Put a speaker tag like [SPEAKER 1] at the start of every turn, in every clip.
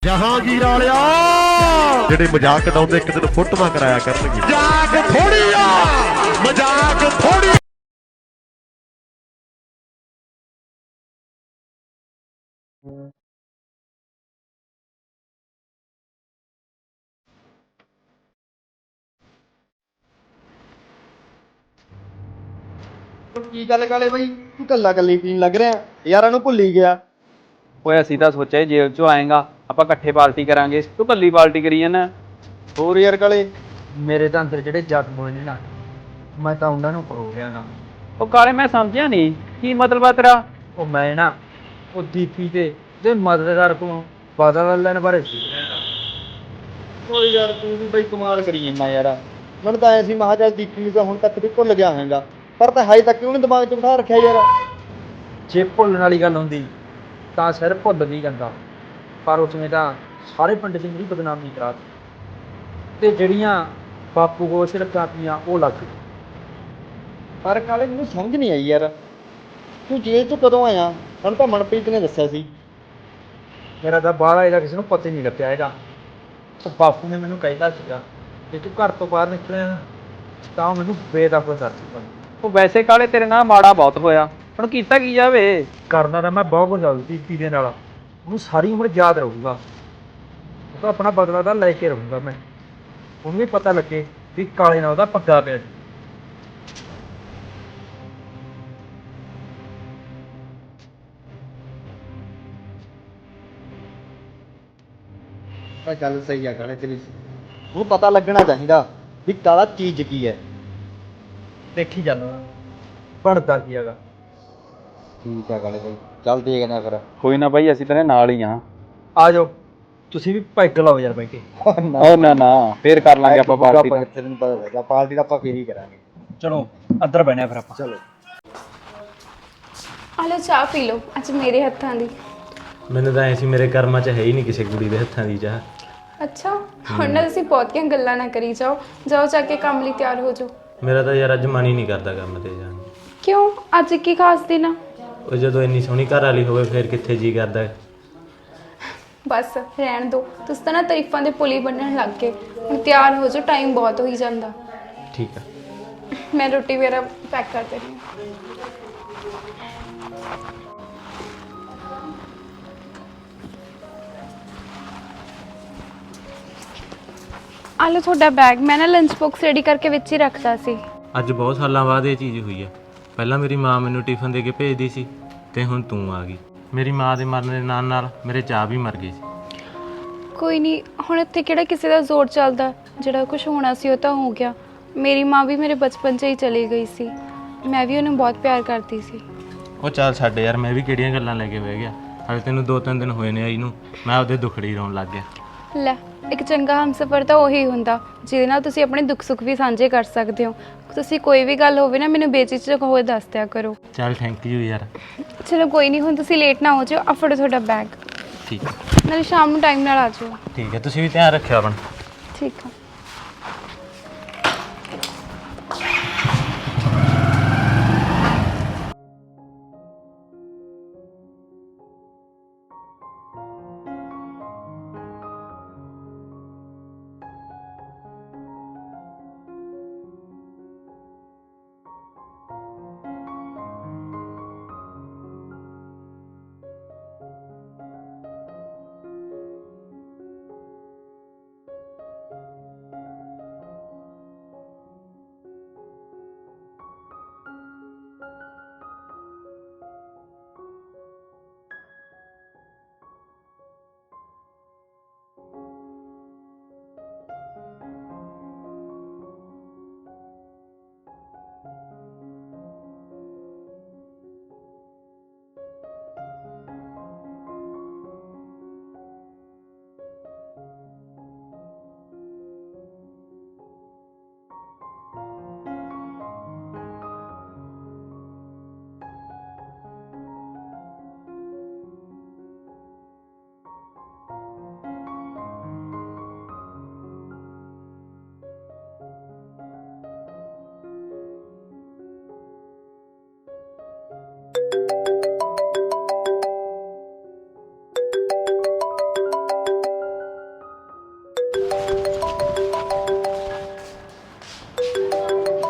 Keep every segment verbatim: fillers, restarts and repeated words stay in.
[SPEAKER 1] ਜਹਾਂਗੀਰ ਵਾਲਿਆ ਜਿਹੜੇ ਮਜ਼ਾਕ ਉਡਾਉਂਦੇ ਇੱਕ ਦਿਨ ਫੋਟੋਆਂ ਕਰਾਇਆ ਕਰਨਗੇ। ਮਜ਼ਾਕ ਥੋੜੀ ਆ, ਮਜ਼ਾਕ ਥੋੜੀ।
[SPEAKER 2] ਕੀ ਗੱਲ ਕਾਲੇ ਬਾਈ, ਤੂੰ ਕੱਲਾ ਕੱਲੀ ਪੀਣ ਲੱਗ ਰਿਹਾ ਯਾਰਾਂ ਨੂੰ ਭੁੱਲ ਹੀ ਗਿਆ।
[SPEAKER 3] ਓਏ ਅਸੀਂ ਤਾਂ ਸੋਚਿਆ ਜੇਲ੍ਹ ਚੋਂ ਆਏਗਾ ਆਪਾਂ ਇਕੱਠੇ ਪਾਰਟੀ ਕਰਾਂਗੇ, ਤੂੰ ਕੱਲੀ ਪਾਰਟੀ ਕਰੀ ਜਾਂਦਾ।
[SPEAKER 2] ਹੋਰ ਯਾਰ ਕਾਲੇ,
[SPEAKER 4] ਮੇਰੇ ਤਾਂ ਅੰਦਰ ਜਿਹੜੇ ਜ਼ਖਮ ਹੋਏ ਨੇ ਨਾ, ਮੈਂ ਤਾਂ ਉਹਨਾਂ ਨੂੰ ਪਰੋ ਗਿਆ ਨਾ।
[SPEAKER 3] ਉਹ ਕਾਲੇ ਮੈਂ ਸਮਝਿਆ ਨਹੀਂ ਕੀ ਮਤਲਬ ਆ ਤੇਰਾ।
[SPEAKER 4] ਉਹ ਮੈਂ ਨਾ ਉਹ ਦੀਪੀ ਤੇ ਤੇ ਮਦਦਗਾਰ ਕੋਲੋਂ ਪਤਾ ਲੈਣ ਬਾਰੇ
[SPEAKER 2] ਓਏ ਯਾਰ ਤੂੰ ਵੀ ਬਈ ਕਮਾਲ ਕਰੀ ਜਾਂਦਾ ਯਾਰ। ਮੈਨੂੰ ਤਾਂ ਐ ਸੀ ਮਹਾ ਚੱਲ ਦੀਪੀ ਨੂੰ ਤਾਂ ਹੁਣ ਤੱਕ ਵੀ ਭੁੱਲ ਗਿਆ ਹੋਵੇਗਾ, ਪਰ ਤਾਂ ਹਾਈ ਤੱਕ ਉਹਨੇ ਦਿਮਾਗ 'ਚ ਬਿਠਾ ਰੱਖਿਆ ਯਾਰ।
[SPEAKER 4] ਜੇ ਭੁੱਲਣ ਵਾਲੀ ਗੱਲ ਹੁੰਦੀ ਤਾਂ ਸਿਰ ਭੁੱਲ ਨਹੀਂ ਜਾਂਦਾ, ਪਰ ਉਸਨੇ ਤਾਂ ਸਾਰੇ ਪਿੰਡ 'ਚ ਮੇਰੀ ਬਦਨਾਮੀ ਕਰਾ ਦਿੱਤੀ ਤੇ ਜਿਹੜੀਆਂ ਬਾਪੂ ਕੋਲ ਸਿਰਫ ਕਾਪੀਆਂ ਉਹ ਲੱਗ ਗਈ।
[SPEAKER 2] ਪਰ ਕਾਲੇ ਮੈਨੂੰ ਸਮਝ ਨਹੀਂ ਆਈ ਯਾਰ, ਤੂੰ ਜੇਲ੍ਹ 'ਚ ਕਦੋਂ ਆਇਆ? ਸਾਨੂੰ ਤਾਂ ਮਨਪ੍ਰੀਤ ਨੇ ਦੱਸਿਆ ਸੀ।
[SPEAKER 4] ਮੇਰਾ ਤਾਂ ਬਾਹਰ ਇਹਦਾ ਕਿਸੇ ਨੂੰ ਪਤਾ ਹੀ ਨਹੀਂ ਲੱਗਿਆ ਹੈਗਾ। ਉਹ ਬਾਪੂ ਨੇ ਮੈਨੂੰ ਕਹਿੰਦਾ ਸੀਗਾ ਜੇ ਤੂੰ ਘਰ ਤੋਂ ਬਾਹਰ ਨਿਕਲਿਆ ਨਾ ਤਾਂ ਉਹ ਮੈਨੂੰ ਬੇਦਖਲ ਕਰ ਚੁੱਕਾ।
[SPEAKER 3] ਉਹ ਵੈਸੇ ਕਾਲੇ ਤੇਰੇ ਨਾਲ ਮਾੜਾ ਬਹੁਤ ਹੋਇਆ, ਹੁਣ ਕੀਤਾ ਕੀ ਜਾਵੇ।
[SPEAKER 4] ਕਰਨਾ ਤਾਂ ਮੈਂ ਬਹੁਤ ਕੁਝ ਗੱਲ ਦੀਪੀ ਦੇ ਨਾਲ, ਉਹਨੂੰ ਸਾਰੀ ਉਮਰ ਯਾਦ ਰਹੂਗਾ। ਉਹ ਤਾਂ ਆਪਣਾ ਬਦਲਾ ਤਾਂ ਲੈ ਕੇ ਰਹੂੰਗਾ ਮੈਂ, ਉਹਨੂੰ ਵੀ ਪਤਾ ਲੱਗੇ ਵੀ ਕਾਲੇ ਨਾਲ ਉਹਦਾ ਪੱਗਾ ਪਿਆ।
[SPEAKER 2] ਤਾਂ ਗੱਲ ਸਹੀ ਆ ਕਾਲੇ ਤੇਰੀ, ਉਹਨੂੰ ਪਤਾ ਲੱਗਣਾ ਚਾਹੀਦਾ ਵੀ ਕਾਲਾ ਚੀਜ਼ ਕੀ ਹੈ।
[SPEAKER 4] ਦੇਖੀ ਜਾਂਦਾ ਬਣਦਾ ਕੀ ਹੈਗਾ।
[SPEAKER 2] ਠੀਕ ਆ ਕਾਲੇ ਬਾਈ, ਚੱਲ ਦੇਖਦੇ ਆ ਫਿਰ।
[SPEAKER 3] ਕੋਈ ਨਾ ਬਾਈ ਅਸੀਂ ਤੇਰੇ ਨਾਲ ਹੀ ਆ।
[SPEAKER 4] ਆ ਜਾਓ ਤੁਸੀਂ ਵੀ ਪੈਗ ਲਾਓ ਯਾਰ ਬੈ ਕੇ।
[SPEAKER 3] ਉਹ ਨਾ ਨਾ ਫੇਰ ਕਰ ਲਾਂਗੇ ਆਪਾਂ ਪਾਰਟੀ।
[SPEAKER 2] ਤੈਨੂੰ ਪਤਾ ਲੱਗਾ ਪਾਰਟੀ ਤਾਂ ਆਪਾਂ ਫੇਰ ਹੀ ਕਰਾਂਗੇ।
[SPEAKER 4] ਚਲੋ ਅੰਦਰ ਬਹਿਣਾ ਫਿਰ ਆਪਾਂ।
[SPEAKER 2] ਚਲੋ
[SPEAKER 5] ਆ ਲਓ ਚਾਹ ਪੀ ਲਓ, ਅੱਜ ਮੇਰੇ ਹੱਥਾਂ ਦੀ।
[SPEAKER 6] ਮੈਨੂੰ ਤਾਂ ਐ ਸੀ ਮੇਰੇ ਕਰਮਾਂ 'ਚ ਹੈ ਹੀ ਨਹੀਂ ਕਿਸੇ ਕੁੜੀ ਦੇ ਹੱਥਾਂ ਦੀ ਚਾਹ।
[SPEAKER 5] ਅੱਛਾ, ਹੁਣ ਨਾ ਤੁਸੀਂ ਬਹੁਤੀਆਂ ਗੱਲਾਂ ਨਾ ਕਰੀ ਜਾਓ, ਜਾਓ ਜਾ ਕੇ ਕੰਮ ਲਈ ਤਿਆਰ ਹੋ ਜਾਓ।
[SPEAKER 6] ਮੇਰਾ ਤਾਂ ਯਾਰ ਅੱਜ ਮਨ ਹੀ ਨਹੀਂ ਕਰਦਾ ਕੰਮ ਤੇ ਜਾਣ ਨੂੰ।
[SPEAKER 5] ਕਿਉਂ, ਅੱਜ ਕੀ ਖਾਸ ਦਿਨ ਆ?
[SPEAKER 6] ਉਹ ਜਦੋਂ ਇੰਨੀ ਸੋਹਣੀ ਘਰ ਵਾਲੀ ਹੋਵੇ ਫਿਰ ਕਿੱਥੇ ਜੀ ਕਰਦਾ।
[SPEAKER 5] ਬਸ ਰਹਿਣ ਦਿਓ, ਤੁਸੀਂ ਤਾਂ ਨਾ ਤਾਰੀਫਾਂ ਦੇ ਪੁਲੀ ਬੰਨਣ ਲੱਗ ਗਏ। ਹੁਣ ਤਿਆਰ ਹੋ ਜਾਓ, ਟਾਈਮ ਬਹੁਤ ਹੋਈ ਜਾਂਦਾ।
[SPEAKER 6] ਠੀਕ ਆ।
[SPEAKER 5] ਮੈਂ ਰੋਟੀ ਵਗੈਰਾ ਪੈਕ ਕਰ ਦੇਣੀ ਆ। ਆ ਲਓ ਤੁਹਾਡਾ ਬੈਗ, ਮੈਂ ਨਾ ਲੰਚ ਬਾਕਸ ਰੈਡੀ ਕਰਕੇ ਵਿੱਚ ਹੀ ਰੱਖਦਾ ਸੀ।
[SPEAKER 6] ਅੱਜ ਬਹੁਤ ਸਾਲਾਂ ਬਾਅਦ ਇਹ ਚੀਜ਼ ਹੋਈ ਆ। ਪਹਿਲਾਂ ਮੇਰੀ ਮਾਂ ਮੈਨੂੰ ਟਿਫਨ ਦੇ ਕੇ ਭੇਜਦੀ ਸੀ ਤੇ ਹੁਣ ਤੂੰ ਆ ਗਈ। ਮੇਰੀ ਮਾਂ ਦੇ ਮਰਨ ਦੇ ਨਾਲ ਨਾਲ ਮੇਰੇ ਚਾਹ ਵੀ ਮਰ ਗਈ ਸੀ।
[SPEAKER 5] ਕੋਈ ਨਹੀਂ, ਹੁਣ ਇੱਥੇ ਕਿਹੜਾ ਕਿਸੇ ਦਾ ਜ਼ੋਰ ਚੱਲਦਾ। ਜਿਹੜਾ ਕੁਝ ਹੋਣਾ ਸੀ ਉਹ ਤਾਂ ਹੋ ਗਿਆ। ਮੇਰੀ ਮਾਂ ਵੀ ਮੇਰੇ ਬਚਪਨ 'ਚ ਹੀ ਚਲੀ ਗਈ ਸੀ, ਮੈਂ ਵੀ ਉਹਨੂੰ ਬਹੁਤ ਪਿਆਰ ਕਰਦੀ ਸੀ।
[SPEAKER 6] ਉਹ ਚੱਲ ਛੱਡ ਯਾਰ, ਮੈਂ ਵੀ ਕਿਹੜੀਆਂ ਗੱਲਾਂ ਲੈ ਕੇ ਬਹਿ ਗਿਆ। ਹਾਲੇ ਤੈਨੂੰ ਦੋ ਤਿੰਨ ਦਿਨ ਹੋਏ ਨੇ ਆਈ ਨੂੰ, ਮੈਂ ਉਹਦੇ ਦੁਖੜੀ ਰੋਣ ਲੱਗ ਗਿਆ।
[SPEAKER 5] ਲੈ, ਇੱਕ ਚੰਗਾ ਹਮਸਫਰ ਤਾਂ ਉਹੀ ਹੁੰਦਾ ਜਿਹਦੇ ਨਾਲ ਤੁਸੀਂ ਆਪਣੇ ਦੁੱਖ ਸੁੱਖ ਵੀ ਸਾਂਝੇ ਕਰ ਸਕਦੇ ਹੋ। ਤੁਸੀਂ ਕੋਈ ਵੀ ਗੱਲ ਹੋਵੇ ਨਾ ਮੈਨੂੰ ਬੇਝਿਜਕ ਹੋਏ ਦੱਸ ਦਿਆ ਕਰੋ।
[SPEAKER 6] ਚੱਲ ਥੈਂਕ ਯੂ ਯਾਰ।
[SPEAKER 5] ਚਲੋ ਕੋਈ ਨਹੀਂ, ਹੁਣ ਤੁਸੀਂ ਲੇਟ ਨਾ ਹੋ ਜਾਓ। ਆ ਫੜੋ ਤੁਹਾਡਾ ਬੈਗ,
[SPEAKER 6] ਠੀਕ ਆ।
[SPEAKER 5] ਨਾਲੇ ਸ਼ਾਮ ਨੂੰ ਟਾਈਮ ਨਾਲ ਆ ਜਾਓ।
[SPEAKER 6] ਠੀਕ ਹੈ, ਤੁਸੀਂ ਵੀ ਧਿਆਨ ਰੱਖਿਓ ਆਪਣਾ।
[SPEAKER 5] ਠੀਕ ਆ।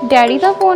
[SPEAKER 5] ਡੈਡੀ ਦਾ ਫੋਨ।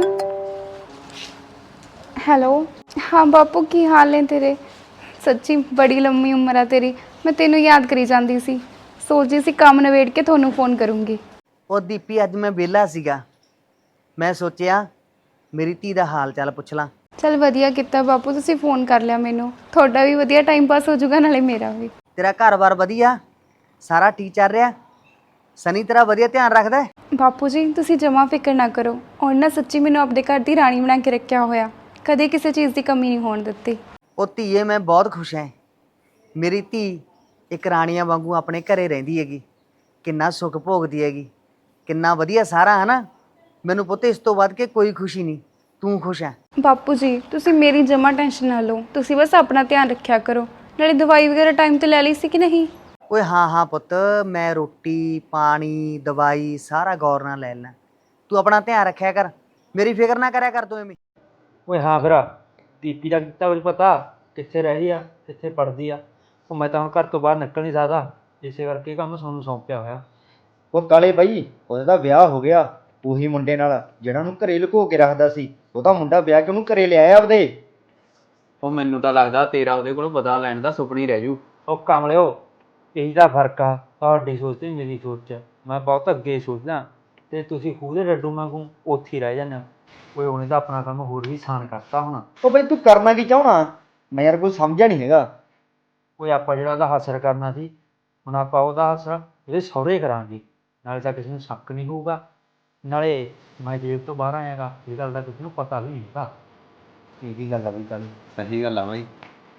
[SPEAKER 5] ਹੈਲੋ, ਹਾਂ ਬਾਪੂ ਕੀ ਹਾਲ ਨੇ ਤੇਰੇ? ਸੱਚੀ ਬੜੀ ਲੰਮੀ ਉਮਰ ਆ ਤੇਰੀ। ਮੈਂ ਤੈਨੂੰ ਯਾਦ ਕਰੀ ਜਾਂਦੀ ਸੀ, ਸੋਚਦੀ ਸੀ ਕੰਮ ਨਿਬੇੜ ਕੇ ਤੁਹਾਨੂੰ ਫੋਨ ਕਰੂੰਗੀ।
[SPEAKER 7] ਉਹ ਦੀਪੀ ਅੱਜ ਮੈਂ ਵਿਹਲਾ ਸੀਗਾ, ਮੈਂ ਸੋਚਿਆ ਮੇਰੀ ਧੀ ਦਾ ਹਾਲ ਚਾਲ ਪੁੱਛ ਲਾਂ।
[SPEAKER 5] ਚਲ ਵਧੀਆ ਕੀਤਾ ਬਾਪੂ, ਤੁਸੀਂ ਫੋਨ ਕਰ ਲਿਆ ਮੈਨੂੰ। ਤੁਹਾਡਾ ਵੀ ਵਧੀਆ ਟਾਈਮ ਪਾਸ ਹੋ ਜਾਊਗਾ, ਨਾਲੇ ਮੇਰਾ ਵੀ।
[SPEAKER 7] ਤੇਰਾ ਘਰ-ਬਾਰ ਵਧੀਆ, ਸਾਰਾ ਠੀਕ ਚੱਲ ਰਿਹਾ? ਸਨੀ ਤੇਰਾ ਵਧੀਆ ਧਿਆਨ ਰੱਖਦਾ ਹੈ?
[SPEAKER 5] ਬਾਪੂ ਜੀ ਤੁਸੀਂ ਜਮਾ ਫਿਕਰ ਨਾ ਕਰੋ, ਔਰ ਨਾ ਸੱਚੀ ਮੈਨੂੰ ਆਪਣੇ ਘਰ ਦੀ ਰਾਣੀ ਬਣਾ ਕੇ ਰੱਖਿਆ ਹੋਇਆ, ਕਦੇ ਕਿਸੇ ਚੀਜ਼ ਦੀ ਕਮੀ ਨਹੀਂ ਹੋਣ ਦਿੱਤੀ।
[SPEAKER 7] ਉਹ ਧੀਏ ਮੈਂ ਬਹੁਤ ਖੁਸ਼ ਹਾਂ, ਮੇਰੀ ਧੀ ਇੱਕ ਰਾਣੀਆਂ ਵਾਂਗੂ ਆਪਣੇ ਘਰੇ ਰਹਿੰਦੀ ਹੈਗੀ, ਕਿੰਨਾ ਸੁੱਖ ਭੋਗਦੀ ਹੈਗੀ, ਕਿੰਨਾ ਵਧੀਆ ਸਾਰਾ ਹੈ ਨਾ। ਮੈਨੂੰ ਪੁੱਤ ਇਸ ਤੋਂ ਵੱਧ ਕੇ ਕੋਈ ਖੁਸ਼ੀ ਨਹੀਂ, ਤੂੰ ਖੁਸ਼ ਹੈ।
[SPEAKER 5] ਬਾਪੂ ਜੀ ਤੁਸੀਂ ਮੇਰੀ ਜਮਾ ਟੈਨਸ਼ਨ ਨਾ ਲਓ, ਤੁਸੀਂ ਬਸ ਆਪਣਾ ਧਿਆਨ ਰੱਖਿਆ ਕਰੋ। ਨਾਲੇ ਦਵਾਈ ਵਗੈਰਾ ਟਾਈਮ ਤੇ ਲੈ ਲਈ ਸੀ ਕਿ ਨਹੀਂ?
[SPEAKER 7] ਓਏ ਹਾਂ ਹਾਂ ਪੁੱਤ, ਮੈਂ ਰੋਟੀ ਪਾਣੀ ਦਵਾਈ ਸਾਰਾ ਗੌਰ ਨਾਲ ਲੈ ਲੈਣਾ, ਤੂੰ ਆਪਣਾ ਧਿਆਨ ਰੱਖਿਆ ਕਰ, ਮੇਰੀ ਫਿਕਰ ਨਾ ਕਰਿਆ ਕਰ ਤੂੰ ਐਵੇਂ।
[SPEAKER 4] ਓਏ ਹਾਂ ਫਿਰ ਦੀਪੀ ਦਾ ਕੀਤਾ ਕੁਝ ਪਤਾ, ਕਿੱਥੇ ਰਹਿ ਰਹੀ ਆ, ਕਿੱਥੇ ਪੜ੍ਹਦੀ ਆ? ਉਹ ਮੈਂ ਤਾਂ ਹੁਣ ਘਰ ਤੋਂ ਬਾਹਰ ਨਿਕਲ ਨਹੀਂ ਸਕਦਾ, ਇਸੇ ਕਰਕੇ ਕੰਮ ਤੁਹਾਨੂੰ ਸੌਂਪਿਆ ਹੋਇਆ।
[SPEAKER 2] ਉਹ ਕਾਲੇ ਬਾਈ, ਉਹਦਾ ਤਾਂ ਵਿਆਹ ਹੋ ਗਿਆ ਉਹੀ ਮੁੰਡੇ ਨਾਲ ਜਿਹੜਾ ਨੂੰ ਘਰੇ ਲੁਕੋ ਕੇ ਰੱਖਦਾ ਸੀ। ਉਹਦਾ ਮੁੰਡਾ ਵਿਆਹ ਕੇ ਉਹਨੂੰ ਘਰੇ ਲਿਆਇਆ ਆਪਦੇ।
[SPEAKER 3] ਉਹ ਮੈਨੂੰ ਤਾਂ ਲੱਗਦਾ ਤੇਰਾ ਉਹਦੇ ਕੋਲ ਬਦਲਾ ਲੈਣ ਦਾ ਸੁਪਨਾ ਹੀ ਰਹਿ ਜੂ।
[SPEAKER 4] ਉਹ ਕਮਲਿਓ, ਇਹੀ ਤਾਂ ਫਰਕ ਆ ਤੁਹਾਡੀ ਸੋਚ ਤੇ ਮੇਰੀ ਸੋਚ 'ਚ। ਮੈਂ ਬਹੁਤ ਅੱਗੇ ਸੋਚਦਾ ਅਤੇ ਤੁਸੀਂ ਖੂਹ ਦੇ ਡੱਡੂ ਵਾਂਗੂ ਉੱਥੇ ਹੀ ਰਹਿ ਜਾਂਦੇ ਹੋ। ਓਏ ਉਹਨੇ ਤਾਂ ਆਪਣਾ ਕੰਮ ਹੋਰ ਵੀ ਆਸਾਨ ਕਰਤਾ ਹੁਣ।
[SPEAKER 2] ਉਹ ਬਈ ਤੂੰ ਕਰਨਾ ਕੀ ਚਾਹਣਾ? ਮੈਂ ਯਾਰ ਕੋਈ ਸਮਝਿਆ ਨਹੀਂ ਹੈਗਾ।
[SPEAKER 4] ਓਏ ਆਪਾਂ ਜਿਹੜਾ ਉਹਦਾ ਹਾਸਰ ਕਰਨਾ ਸੀ, ਹੁਣ ਆਪਾਂ ਉਹਦਾ ਹਾਸਰ ਇਹਦੇ ਸਹੁਰੇ ਕਰਾਂਗੇ, ਨਾਲੇ ਤਾਂ ਕਿਸੇ ਨੂੰ ਸ਼ੱਕ ਨਹੀਂ ਹੋਊਗਾ, ਨਾਲੇ ਮੈਂ ਜੇਲ੍ਹ ਤੋਂ ਬਾਹਰ ਆਇਆਗਾ, ਇਹ ਗੱਲ ਦਾ ਕਿਸੇ ਨੂੰ ਪਤਾ ਵੀ ਨਹੀਂ ਹੈਗਾ। ਇਹ ਵੀ ਗੱਲ ਆ ਬਈ, ਗੱਲ
[SPEAKER 3] ਸਹੀ ਗੱਲ ਆ ਬਾਈ।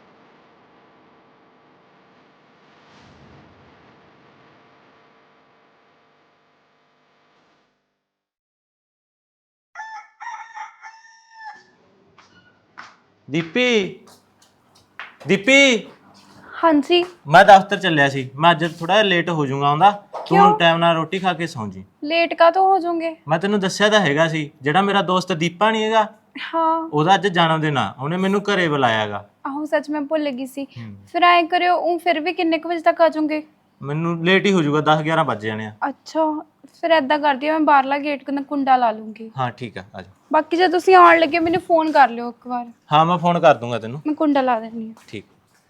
[SPEAKER 6] ਦੀਪੀ ਦੀਪੀ
[SPEAKER 5] ਹਾਂਜੀ।
[SPEAKER 6] ਮੈਂ ਦਫ਼ਤਰ ਚੱਲਿਆ ਸੀ, ਮੈਂ ਅੱਜ ਥੋੜਾ ਜਿਹਾ ਲੇਟ ਹੋ ਜਾਊਂਗਾ ਆਉਂਦਾ। ਤੂੰ ਟਾਈਮ ਨਾਲ ਰੋਟੀ ਖਾ ਕੇ ਸੌਂ ਜੀ।
[SPEAKER 5] ਲੇਟ ਕਾਹਤੋਂ ਹੋ ਜਾਓਗੇ?
[SPEAKER 6] ਮੈਂ ਤੈਨੂੰ ਦੱਸਿਆ ਤਾਂ ਹੈਗਾ ਸੀ, ਜਿਹੜਾ ਮੇਰਾ ਦੋਸਤ ਦੀਪਾ ਨਹੀਂ ਹੈਗਾ,
[SPEAKER 5] ਹਾਂ
[SPEAKER 6] ਉਹਦਾ ਅੱਜ ਜਨਮ ਦਿਨ ਆ, ਉਹਨੇ ਮੈਨੂੰ ਘਰੇ ਬੁਲਾਇਆਗਾ।
[SPEAKER 5] ਆਹੋ ਸੱਚ ਮੈਂ ਭੁੱਲ ਗਈ ਸੀ। ਫਿਰ ਐਂ ਕਰਿਓ, ਉਹ ਫਿਰ ਵੀ ਕਿੰਨੇ ਕੁ ਵਜੇ ਤੱਕ ਆ ਜਾਓਗੇ?
[SPEAKER 6] ਮੈਨੂੰ ਲੇਟ ਹੀ ਹੋ ਜਾਊਗਾ, ਦਸ ਗਿਆਰਾਂ ਵੱਜ ਜਾਣੇ ਆ।
[SPEAKER 5] ਅੱਛਾ ਫਿਰ ਐਦਾਂ ਕਰਦੀ ਹਾਂ, ਮੈਂ ਬਾਹਰਲਾ ਗੇਟ ਕੋਲ ਕੁੰਡਾ ਲਾ ਲੂੰਗੀ।
[SPEAKER 6] ਹਾਂ ਠੀਕ ਆ, ਆ ਜਾ।
[SPEAKER 5] ਬਾਕੀ ਜੇ ਤੁਸੀਂ ਆਉਣ ਲੱਗੇ ਮੈਨੂੰ ਫੋਨ ਕਰ ਲਿਓ ਇੱਕ ਵਾਰ,
[SPEAKER 6] ਹਾਂ ਮੈਂ ਫੋਨ ਕਰ ਦੂੰਗਾ ਤੈਨੂੰ।
[SPEAKER 5] ਮੈਂ ਕੁੰਡਾ ਲਾ ਦਿੰਦੀ ਹਾਂ।
[SPEAKER 6] ਠੀਕ।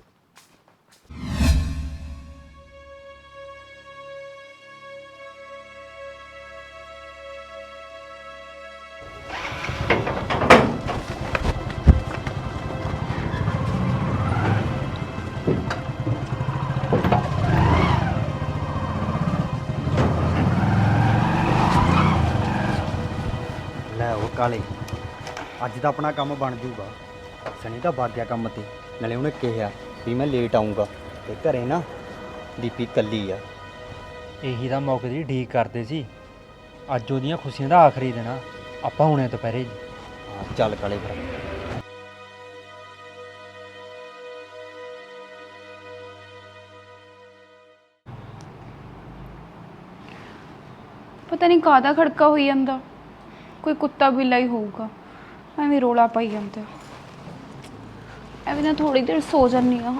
[SPEAKER 2] ਲੈ ਉਹ ਕਾਲੇ, ਅੱਜ ਤਾਂ ਆਪਣਾ ਕੰਮ ਬਣ ਜੂਗਾ। ਸਨੀ ਤਾਂ ਵਗ ਗਿਆ ਕੰਮ ਤੇ, ਨਾਲੇ ਉਹਨੇ ਕਿਹਾ ਵੀ ਮੈਂ ਲੇਟ ਆਉਂਗਾ, ਤੇ ਘਰੇ ਨਾ ਦੀਪੀ ਇਕੱਲੀ ਆ।
[SPEAKER 4] ਇਹੀ ਤਾਂ ਮੌਕੇ ਦੀ ਢੀਕ ਕਰਦੇ ਸੀ, ਅੱਜ ਉਹਦੀਆਂ ਖੁਸ਼ੀਆਂ ਦਾ ਆਖਰੀ ਦਿਨ ਆ, ਆਪਾਂ ਹੁਣੇ ਦੁਪਹਿਰੇ ਜੀ।
[SPEAKER 2] ਹਾਂ ਚੱਲ ਕਾਲੇ ਫਿਰ।
[SPEAKER 5] ਪਤਾ ਨਹੀਂ ਕਾਹਦਾ ਖੜਕਾ ਹੋਈ ਜਾਂਦਾ, ਕੋਈ ਕੁੱਤਾ ਬਿੱਲਾ ਹੀ ਹੋਊਗਾ, ਐਵੇਂ ਰੋਲਾ ਪਾਈ ਜਾਂਦਾ। ਐਵੇਂ ਨਾ ਥੋੜੀ ਦੇਰ ਸੋ ਜਾਂਦੀ ਆ।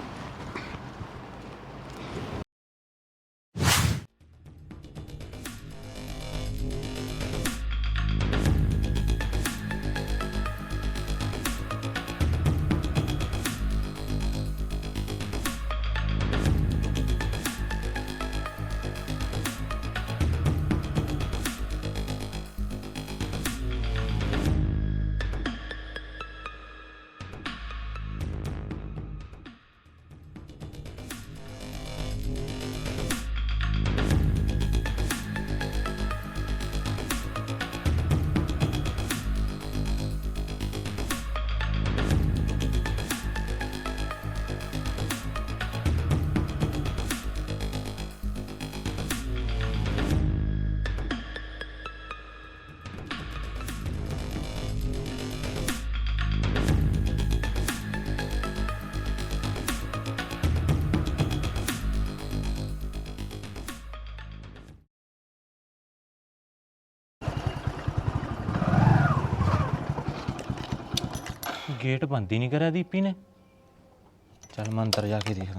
[SPEAKER 6] ਗੇਟ ਬੰਦ ਹੀ ਨਹੀਂ ਕਰਿਆ ਦੀਪੀ ਨੇ। ਚੱਲ ਮੈਂ ਅੰਦਰ ਜਾ ਕੇ ਦੇਖਦਾ।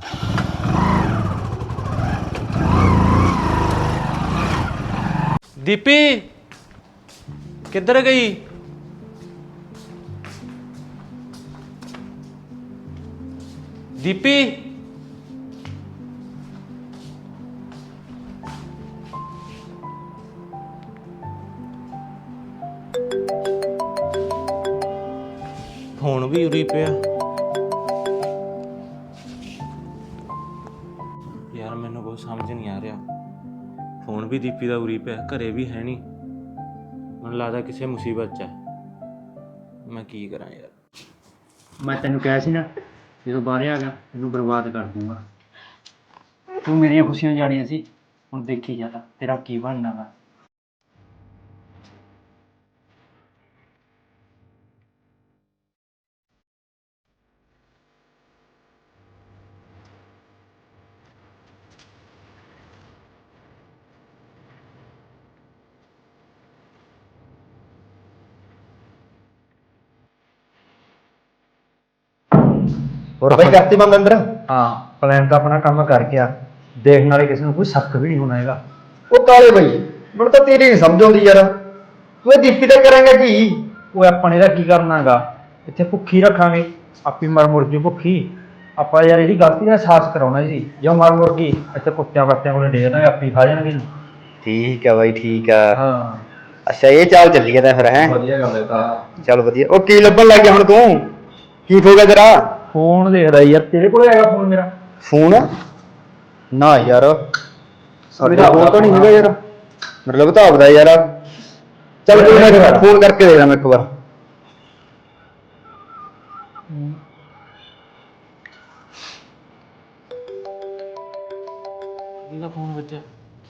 [SPEAKER 6] ਦੀਪੀ ਕਿੱਧਰ ਗਈ? ਦੀਪੀ ਫੋਨ ਵੀ ਉਰੀ ਪਿਆ। ਯਾਰ ਮੈਨੂੰ ਕੋਈ ਸਮਝ ਨਹੀਂ ਆ ਰਿਹਾ। ਫੋਨ ਵੀ ਦੀਪੀ ਦਾ ਉਰੀ ਪਿਆ, ਘਰੇ ਵੀ ਹੈ ਨਹੀਂ। ਮੈਨੂੰ ਲੱਗਦਾ ਕਿਸੇ ਮੁਸੀਬਤ 'ਚ ਹੈ। ਮੈਂ ਕੀ ਕਰਾਂ ਯਾਰ।
[SPEAKER 4] ਮੈਂ ਤੈਨੂੰ ਕਿਹਾ ਸੀ ਨਾ, ਜਦੋਂ ਬਾਹਰ ਆ ਗਿਆ ਤੈਨੂੰ ਬਰਬਾਦ ਕਰ ਦੂੰਗਾ। ਤੂੰ ਮੇਰੀਆਂ ਖੁਸ਼ੀਆਂ ਜਾਣੀਆਂ ਸੀ, ਹੁਣ ਦੇਖੀ ਜਾ ਤੇਰਾ ਕੀ ਬਣਨਾ ਵਾ।
[SPEAKER 2] ਹੋਰ ਬਾਈ ਕਰਤੀ ਬੰਦ ਅੰਦਰ?
[SPEAKER 4] ਹਾਂ, ਪਲਾਨ ਤਾਂ ਆਪਣਾ ਕੰਮ ਕਰ ਗਿਆ। ਦੇਖਣ ਵਾਲੇ ਕਿਸੇ ਨੂੰ ਕੋਈ ਸ਼ੱਕ ਵੀ ਨਹੀਂ ਹੋਣਾ ਹੈਗਾ।
[SPEAKER 2] ਉਹ ਕਾਲੇ ਬਾਈ, ਮੈਨੂੰ ਤਾਂ ਤੇਰੀ ਨਹੀਂ ਸਮਝ ਆਉਂਦੀ ਯਾਰ। ਤੂੰ ਇਹ ਦੀਪੀ ਦਾ ਕਰਾਂਗਾ ਕੀ?
[SPEAKER 4] ਉਹ ਆਪਾਂ ਨੇ ਇਹਦਾ ਕੀ ਕਰਨਾਗਾ? ਇੱਥੇ ਭੁੱਖੀ ਰੱਖਾਂਗੇ, ਆਪੀ ਮਰ ਮੁਰ ਜੂ ਭੁੱਖੀ। ਆਪਾਂ ਯਾਰ ਇਹਦੀ ਗਲਤੀ ਦਾ ਅਹਿਸਾਸ ਕਰਾਉਣਾ ਸੀ। ਜੋ ਮਰ ਮੁਰ ਗਈ ਇੱਥੇ ਕੁੱਤਿਆਂ ਪੱਤਿਆਂ ਕੋਲ ਡੇਰ ਦਾਂਗੇ, ਆਪੀ ਖਾ ਜਾਣਗੇ।
[SPEAKER 2] ਠੀਕ ਆ ਬਾਈ, ਠੀਕ ਆ।
[SPEAKER 4] ਹਾਂ,
[SPEAKER 2] ਅੱਛਾ ਇਹ ਚਾਲ ਚੱਲੀ ਗਿਆ ਤਾਂ ਫਿਰ ਹੈ।
[SPEAKER 4] ਵਧੀਆ ਗੱਲ ਹੈ ਤਾਂ।
[SPEAKER 2] ਚੱਲ ਵਧੀਆ। ਉਹ ਕੀ ਲੱਭਣ ਲੱਗ ਗਿਆ ਹੁਣ ਤੂੰ? ਕੀ ਹੋ ਗਿਆ ਤੇਰਾ?
[SPEAKER 4] ਫੋਨ ਦੇਖਦਾ ਯਾਰ, ਤੇਰੇ ਕੋਲ ਹੈਗਾ ਫੋਨ ਮੇਰਾ?
[SPEAKER 2] ਫੋਨ ਨਾ ਯਾਰ, ਸਾਡੇ ਕੋਲ ਤਾਂ ਨਹੀਂ ਹੈਗਾ ਯਾਰ। ਮਤਲਬ ਤਾਂ ਆਪਦਾ ਯਾਰ। ਚੱਲ ਫੋਨ ਕਰਕੇ ਦੇਖਦਾ ਮੈਂ ਇੱਕ ਵਾਰ।
[SPEAKER 6] ਇਹਦਾ ਫੋਨ ਵੱਜਿਆ।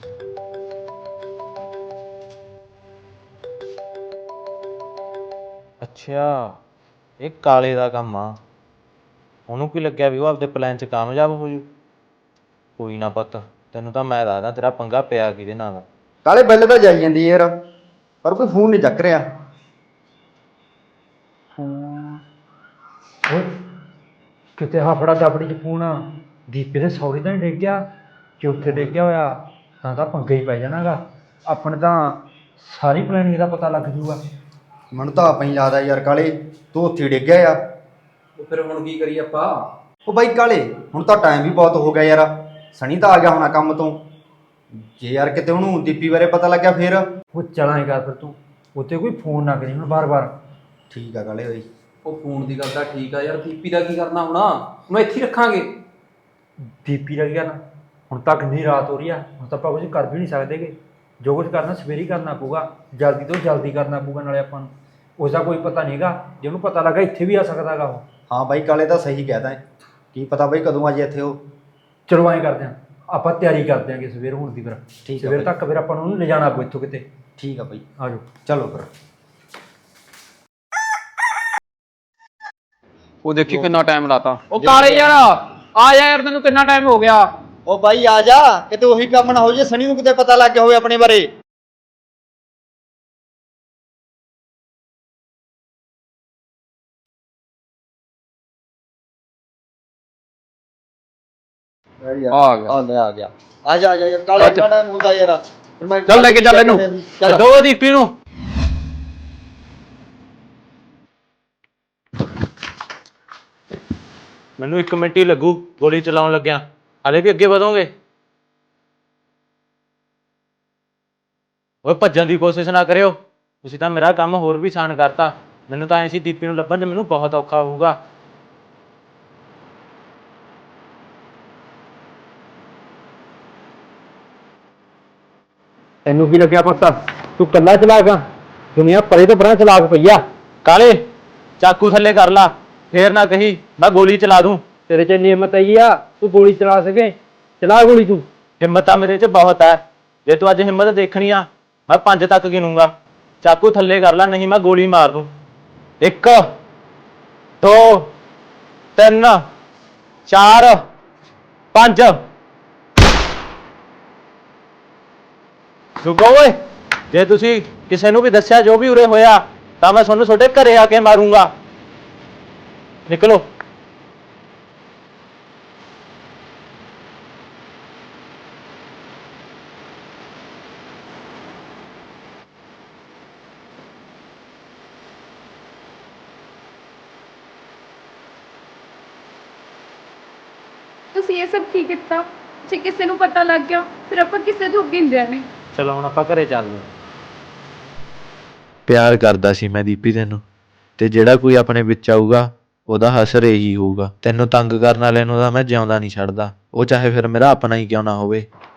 [SPEAKER 6] ਅੱਛਾ, ਇਹ ਕਾਲੇ ਦਾ ਕੰਮ ਆ। ਉਹਨੂੰ ਕੀ ਲੱਗਿਆ ਵੀ ਉਹ ਆਪਦੇ ਪਲਾਨ 'ਚ ਕਾਮਯਾਬ ਹੋ ਜੂ। ਕੋਈ ਨਾ ਪੁੱਤ, ਤੈਨੂੰ ਤਾਂ ਮੈਂ ਦੱਸਦਾ ਤੇਰਾ ਪੰਗਾ ਪਿਆ ਕਿਹਦੇ ਨਾਲ।
[SPEAKER 2] ਕਾਲੇ ਬਿੱਲ ਤਾਂ ਜਾਈ ਜਾਂਦੀ ਯਾਰ, ਪਰ ਕੋਈ ਫੋਨ ਨਹੀਂ ਚੱਕ ਰਿਹਾ।
[SPEAKER 4] ਓਏ ਕਿਤੇ ਹਫੜਾ ਦਫੜੀ ਚ ਫੋਨ ਦੀਪੇ ਦੇ ਸੌਰੀ ਤਾਂ ਨਹੀਂ ਡਿੱਗ ਗਿਆ? ਜੇ ਉੱਥੇ ਡਿੱਗ ਗਿਆ ਹੋਇਆ ਤਾਂ ਤਾਂ ਪੰਗਾ ਹੀ ਪੈ ਜਾਣਾਗਾ। ਆਪਣੇ ਤਾਂ ਸਾਰੀ ਪਲੈਨਿੰਗ ਦਾ ਪਤਾ ਲੱਗ ਜੂਗਾ।
[SPEAKER 2] ਮੈਨੂੰ ਤਾਂ ਆਪਾਂ ਹੀ ਲੱਗਦਾ ਯਾਰ ਕਾਲੇ ਤੂੰ ਉੱਥੇ ਡਿੱਗ ਗਿਆ ਯਾਰ।
[SPEAKER 3] ਉਹ ਫਿਰ ਹੁਣ ਕੀ ਕਰੀਏ ਆਪਾਂ?
[SPEAKER 2] ਉਹ ਬਾਈ ਕਾਲੇ ਹੁਣ ਤਾਂ ਟਾਈਮ ਵੀ ਬਹੁਤ ਹੋ ਗਿਆ ਯਾਰ। ਸਣੀ ਤਾਂ ਆ ਗਿਆ ਹੋਣਾ ਕੰਮ ਤੋਂ। ਜੇ ਯਾਰ ਕਿਤੇ ਉਹਨੂੰ ਦੀਪੀ ਬਾਰੇ ਪਤਾ ਲੱਗਿਆ ਫਿਰ?
[SPEAKER 4] ਉਹ ਚਲਾਏਗਾ ਫਿਰ ਤੂੰ ਉੱਥੇ ਕੋਈ ਫੋਨ ਨਾ ਕਰੀ ਹੁਣ ਬਾਰ-ਬਾਰ।
[SPEAKER 2] ਠੀਕ ਆ ਕਾਲੇ ਬਾਈ।
[SPEAKER 3] ਉਹ ਫੋਨ ਦੀ ਗੱਲ ਤਾਂ ਠੀਕ ਆ ਯਾਰ, ਦੀਪੀ ਦਾ ਕੀ ਕਰਨਾ ਹੁਣ? ਉਹਨੂੰ ਇੱਥੇ ਹੀ ਰੱਖਾਂਗੇ।
[SPEAKER 4] ਦੀਪੀ ਦਾ ਕੀ ਕਰਨਾ? ਹੁਣ ਤੱਕ ਕਿੰਨੀ ਰਾਤ ਹੋ ਰਹੀ ਆ, ਹੁਣ ਤਾਂ ਆਪਾਂ ਕੁਝ ਕਰ ਵੀ ਨਹੀਂ ਸਕਦੇਗੇ। ਜੋ ਕੁਝ ਕਰਨਾ ਸਵੇਰੇ ਹੀ ਕਰਨਾ ਪਊਗਾ, ਜਲਦੀ ਤੋਂ ਜਲਦੀ ਕਰਨਾ ਪਊਗਾ। ਨਾਲੇ ਆਪਾਂ ਨੂੰ ਉਸਦਾ ਕੋਈ ਪਤਾ ਨਹੀਂ ਹੈਗਾ, ਜੇ ਉਹਨੂੰ ਪਤਾ ਲੱਗਾ ਇੱਥੇ ਵੀ ਆ ਸਕਦਾ ਗਾ ਉਹ।
[SPEAKER 2] ਹਾਂ ਬਾਈ ਕਾਲੇ ਤਾਂ ਸਹੀ ਕਹਿਦਾ ਹੈ। ਕੀ ਪਤਾ ਬਾਈ ਕਦੋਂ ਆ ਜੇ ਇੱਥੇ ਉਹ।
[SPEAKER 4] ਚਲੋ ਐਂ ਕਰਦੇ ਹਾਂ, ਆਪਾਂ ਤਿਆਰੀ ਕਰ ਦਿਆਂਗੇ ਸਵੇਰ ਹੋਣ ਦੀ। ਫਿਰ
[SPEAKER 2] ਠੀਕ ਆ
[SPEAKER 4] ਸਵੇਰ
[SPEAKER 2] ਬਾਈ।
[SPEAKER 4] ਤੱਕ ਫਿਰ ਆਪਾਂ ਨੂੰ ਉਹਨੂੰ ਲਿਜਾਣਾ ਪਊ ਇੱਥੋਂ ਕਿਤੇ।
[SPEAKER 2] ਠੀਕ ਆ ਬਾਈ,
[SPEAKER 4] ਆ ਜਾਓ।
[SPEAKER 2] ਚਲੋ ਫਿਰ।
[SPEAKER 3] ਉਹ ਦੇਖੀ ਕਿੰਨਾ ਟਾਈਮ ਲਾਤਾ। ਉਹ ਕਾਲੇ ਯਾਰ ਆ ਜਾ ਯਾਰ, ਤੈਨੂੰ ਕਿੰਨਾ ਟਾਈਮ ਹੋ ਗਿਆ?
[SPEAKER 2] ਉਹ ਬਾਈ ਆ ਜਾ, ਕਿਤੇ ਉਹੀ ਕੰਮ ਨਾ ਹੋ ਜੇ ਸਣੀ ਨੂੰ ਕਿਤੇ ਪਤਾ ਲੱਗ ਗਿਆ ਹੋਵੇ ਆਪਣੇ ਬਾਰੇ।
[SPEAKER 3] ਆ ਗਿਆ।
[SPEAKER 2] ਆ ਲੈ ਆ ਗਿਆ। ਆ ਜਾ ਆ ਜਾ ਕਾਲੇ ਕਾੜਾ ਮੁੰਡਾ ਯਾਰ। ਫਿਰ ਮੈਂ
[SPEAKER 3] ਚੱਲ ਲੈ ਕੇ ਚੱਲ ਇਹਨੂੰ।
[SPEAKER 2] ਚੱਲ।
[SPEAKER 3] ਦੋ ਦੀਪੀ ਨੂੰ।
[SPEAKER 6] ਮੈਨੂੰ ਇੱਕ ਮਿੰਟ ਹੀ ਲੱਗੂ ਗੋਲੀ ਚਲਾਉਣ ਲੱਗਿਆ। ਹਾਲੇ ਵੀ ਅੱਗੇ ਵਧੋਗੇ? ਓਏ ਭੱਜਣ ਦੀ ਕੋਸ਼ਿਸ਼ ਨਾ ਕਰਿਓ। ਤੁਸੀਂ ਤਾਂ ਮੇਰਾ ਕੰਮ ਹੋਰ ਵੀ ਆਸਾਨ ਕਰਤਾ। ਮੈਨੂੰ ਤਾਂ ਐਂ ਸੀ ਦੀਪੀ ਨੂੰ ਲੱਭਣ 'ਚ ਮੈਨੂੰ ਬਹੁਤ ਔਖਾ ਹੋਊਗਾ।
[SPEAKER 4] ਤੈਨੂੰ ਕੀ ਲੱਗਿਆ ਪੁੱਤ? ਤੂੰ ਕੱਲਾ ਚਲਾਕ ਆ? ਦੁਨੀਆ ਪਰੇ ਤੋਂ ਪਰਾਂ ਚਲਾਕ ਪਈ ਆ।
[SPEAKER 6] ਕਾਲੇ ਚਾਕੂ ਥੱਲੇ ਕਰ ਲਾ, ਫੇਰ ਨਾ ਕਹੀ ਮੈਂ ਗੋਲੀ ਚਲਾ ਦੂੰ।
[SPEAKER 4] ਤੇਰੇ ਚ ਇੰਨੀ ਹਿੰਮਤ ਆਈ ਆ ਤੂੰ ਗੋਲੀ ਚਲਾ ਸਕੇ? ਚਲਾ ਗੋਲੀ ਤੂੰ।
[SPEAKER 6] ਹਿੰਮਤ ਤਾਂ ਮੇਰੇ 'ਚ ਬਹੁਤ ਹੈ। ਜੇ ਤੂੰ ਅੱਜ ਹਿੰਮਤ ਦੇਖਣੀ ਆ, ਮੈਂ ਪੰਜ ਤੱਕ ਗਿਣੂੰਗਾ। ਚਾਕੂ ਥੱਲੇ ਕਰ ਲਾ, ਨਹੀਂ ਮੈਂ ਗੋਲੀ ਮਾਰ ਦੂੰ। ਇੱਕ, ਦੋ, ਤਿੰਨ, ਚਾਰ, ਪੰਜ। ਰੁਕੋ ਓਏ, ਜੇ ਤੁਸੀਂ ਕਿਸੇ ਨੂੰ ਵੀ ਦੱਸਿਆ ਜੋ ਵੀ ਉਰੇ ਹੋਇਆ ਤਾਂ ਮੈਂ ਤੁਹਾਨੂੰ ਤੁਹਾਡੇ ਘਰੇ ਆ ਕੇ ਮਾਰੂੰਗਾ। ਨਿਕਲੋ।
[SPEAKER 5] ਤੁਸੀਂ ਇਹ ਸਭ ਕੀ ਕੀਤਾ? ਜੇ ਕਿਸੇ ਨੂੰ ਪਤਾ ਲੱਗ ਗਿਆ ਫਿਰ ਆਪਾਂ ਕਿਸੇ ਤੋਂ ਅੱਗੇ ਨਹੀਂ ਰਹਿਣੇ।
[SPEAKER 6] ਚਲੋ ਹੁਣ ਆਪਾਂ ਘਰੇ ਚੱਲਦੇ।
[SPEAKER 8] ਪਿਆਰ ਕਰਦਾ ਸੀ ਮੈਂ ਦੀਪੀ ਤੈਨੂੰ, ਤੇ ਜਿਹੜਾ ਕੋਈ ਆਪਣੇ ਵਿੱਚ ਆਊਗਾ ਉਹਦਾ ਹਸਰ ਇਹੀ ਹੋਊਗਾ। ਤੈਨੂੰ ਤੰਗ ਕਰਨ ਵਾਲਿਆਂ ਨੂੰ ਤਾਂ ਮੈਂ ਜਿਉਂਦਾ ਨਹੀਂ ਛੱਡਦਾ, ਉਹ ਚਾਹੇ ਫਿਰ ਮੇਰਾ ਆਪਣਾ ਹੀ ਕਿਉਂ ਨਾ ਹੋਵੇ।